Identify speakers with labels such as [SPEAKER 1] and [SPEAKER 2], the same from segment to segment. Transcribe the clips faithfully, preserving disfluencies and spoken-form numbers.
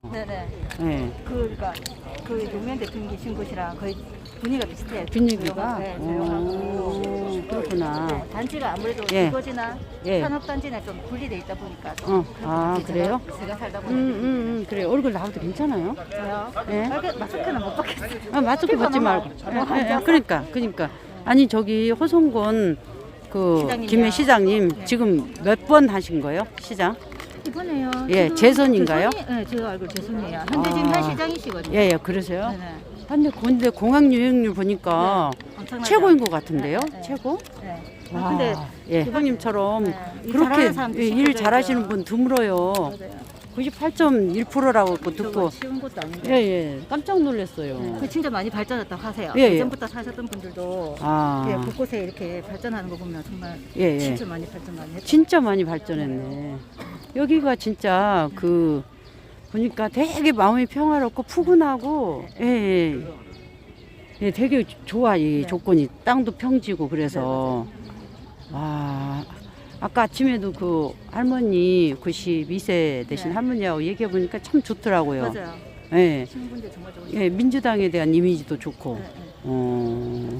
[SPEAKER 1] 네네.
[SPEAKER 2] 네.
[SPEAKER 1] 그러니까 그 노무현 대통령 계신 곳이랑 거의 분위기가 비슷해요.
[SPEAKER 2] 분위기가?
[SPEAKER 1] 네, 조용하고.
[SPEAKER 2] 오, 그렇구나.
[SPEAKER 1] 네, 단지가 아무래도
[SPEAKER 2] 예.
[SPEAKER 1] 주거지나
[SPEAKER 2] 예.
[SPEAKER 1] 산업단지나 좀 분리돼 있다 보니까. 좀
[SPEAKER 2] 어,
[SPEAKER 1] 그런 것
[SPEAKER 2] 아,
[SPEAKER 1] 같아요.
[SPEAKER 2] 그래요?
[SPEAKER 1] 제가, 제가 살다
[SPEAKER 2] 음,
[SPEAKER 1] 보니까.
[SPEAKER 2] 음, 음, 그래. 얼굴 나와도 괜찮아요?
[SPEAKER 1] 저요?
[SPEAKER 2] 예.
[SPEAKER 1] 빨개- 마스크는 못 받겠어요.
[SPEAKER 2] 아, 마스크
[SPEAKER 1] 피부가
[SPEAKER 2] 벗지
[SPEAKER 1] 너무
[SPEAKER 2] 말고.
[SPEAKER 1] 안-
[SPEAKER 2] 예,
[SPEAKER 1] 너무 안
[SPEAKER 2] 예, 예.
[SPEAKER 1] 좋아서.
[SPEAKER 2] 그러니까, 그러니까. 아니, 저기 호성군 그
[SPEAKER 1] 시장님이요.
[SPEAKER 2] 김해 시장님
[SPEAKER 1] 네.
[SPEAKER 2] 지금 몇 번 하신 거예요? 시장?
[SPEAKER 1] 이번에요.
[SPEAKER 2] 예,
[SPEAKER 1] 지금
[SPEAKER 2] 재선인가요?
[SPEAKER 1] 재선이- 네, 제가 알고 재선이에요. 현재
[SPEAKER 2] 아.
[SPEAKER 1] 지금 현 시장이시거든요.
[SPEAKER 2] 예, 예, 그러세요?
[SPEAKER 1] 네네.
[SPEAKER 2] 근데, 근데 공항 유행률 보니까
[SPEAKER 1] 엄청나죠?
[SPEAKER 2] 최고인 것 같은데요?
[SPEAKER 1] 네, 네.
[SPEAKER 2] 최고?
[SPEAKER 1] 네.
[SPEAKER 2] 와,
[SPEAKER 1] 근데
[SPEAKER 2] 예, 형님처럼
[SPEAKER 1] 네, 일
[SPEAKER 2] 그렇게
[SPEAKER 1] 잘하는 사람도
[SPEAKER 2] 예, 일
[SPEAKER 1] 시켜줘야죠.
[SPEAKER 2] 잘하시는 분 드물어요.
[SPEAKER 1] 맞아요.
[SPEAKER 2] 구십팔 점 일 퍼센트라고
[SPEAKER 1] 저거
[SPEAKER 2] 듣고
[SPEAKER 1] 쉬운 것도 아닌데.
[SPEAKER 2] 예, 예, 깜짝 놀랐어요.
[SPEAKER 1] 네, 그 진짜 많이 발전했다고 하세요.
[SPEAKER 2] 예, 예.
[SPEAKER 1] 예전부터 사셨던 분들도
[SPEAKER 2] 아,
[SPEAKER 1] 예, 곳곳에 이렇게 발전하는 거 보면 정말
[SPEAKER 2] 예, 예.
[SPEAKER 1] 진짜 많이 발전 많이 했다.
[SPEAKER 2] 진짜 많이 발전했네. 여기가 진짜 그 보니까 되게 마음이 평화롭고 푸근하고 예, 예. 예, 되게 좋아 이
[SPEAKER 1] 네.
[SPEAKER 2] 조건이 땅도 평지고 그래서 와 아까 아침에도 그 할머니 구십이 세 되신
[SPEAKER 1] 네.
[SPEAKER 2] 할머니하고 얘기해 보니까 참 좋더라고요.
[SPEAKER 1] 맞아요.
[SPEAKER 2] 예,
[SPEAKER 1] 신분들 정말 좋은.
[SPEAKER 2] 예, 민주당에 대한 이미지도 좋고.
[SPEAKER 1] 네, 네.
[SPEAKER 2] 어,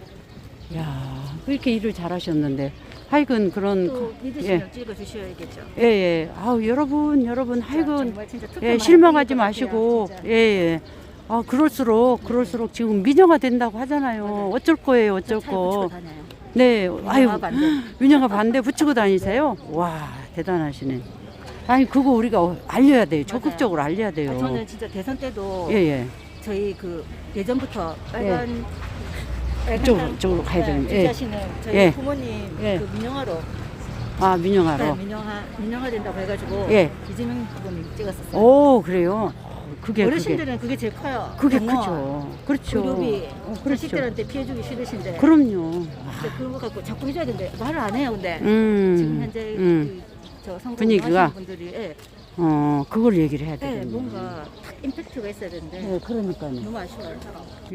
[SPEAKER 2] 야 그렇게 일을 잘하셨는데 하여간 그런
[SPEAKER 1] 또
[SPEAKER 2] 거-
[SPEAKER 1] 믿으시면 찍어 주셔야겠죠.
[SPEAKER 2] 예, 예. 아우, 여러분, 여러분, 하여간,
[SPEAKER 1] 정말 진짜 투표
[SPEAKER 2] 예,
[SPEAKER 1] 많이
[SPEAKER 2] 실망하지
[SPEAKER 1] 드릴 것
[SPEAKER 2] 마시고,
[SPEAKER 1] 같아요,
[SPEAKER 2] 예, 예. 아, 그럴수록, 그럴수록 지금 민영화 된다고 하잖아요.
[SPEAKER 1] 맞아요.
[SPEAKER 2] 어쩔 거예요,
[SPEAKER 1] 진짜.
[SPEAKER 2] 어쩔
[SPEAKER 1] 차에 붙이고
[SPEAKER 2] 거.
[SPEAKER 1] 다녀요.
[SPEAKER 2] 네, 아유,
[SPEAKER 1] 민영화 반대.
[SPEAKER 2] 민영화 반대 붙이고 다니세요? 와, 대단하시네. 아니, 그거 우리가 어- 알려야 돼요. 적극적으로 알려야 돼요.
[SPEAKER 1] 아, 저는 진짜 대선 때도
[SPEAKER 2] 예, 예.
[SPEAKER 1] 저희 그 예전부터 빨간 빨간
[SPEAKER 2] 이쪽으로,
[SPEAKER 1] 땅-
[SPEAKER 2] 이쪽으로 가야
[SPEAKER 1] 네,
[SPEAKER 2] 되는데. 예.
[SPEAKER 1] 지지하시는 저희
[SPEAKER 2] 예.
[SPEAKER 1] 부모님
[SPEAKER 2] 예.
[SPEAKER 1] 그 민영화로
[SPEAKER 2] 아,
[SPEAKER 1] 네,
[SPEAKER 2] 민영화로.
[SPEAKER 1] 민영화 민영화 된다고 해가지고
[SPEAKER 2] 예.
[SPEAKER 1] 이재명 후보님 찍었었어요.
[SPEAKER 2] 오, 그래요. 그게, 그게.
[SPEAKER 1] 어르신들은 그게 제일 커요.
[SPEAKER 2] 그게
[SPEAKER 1] 공무원,
[SPEAKER 2] 크죠. 그렇죠.
[SPEAKER 1] 그룹이
[SPEAKER 2] 어, 그렇죠.
[SPEAKER 1] 자식들한테 피해주기 싫으신데.
[SPEAKER 2] 그럼요.
[SPEAKER 1] 근데 그런 거 갖고 자꾸 해줘야 되는데 말을 안 해요. 근데
[SPEAKER 2] 음.
[SPEAKER 1] 지금 현재
[SPEAKER 2] 음.
[SPEAKER 1] 그, 저 선거
[SPEAKER 2] 분위기가?
[SPEAKER 1] 하시는 분들이 예,
[SPEAKER 2] 어, 그걸 얘기를 해야
[SPEAKER 1] 예,
[SPEAKER 2] 되겠네.
[SPEAKER 1] 뭔가 탁 임팩트가 있어야 되는데
[SPEAKER 2] 네, 그러니까요.
[SPEAKER 1] 너무 아쉬워요.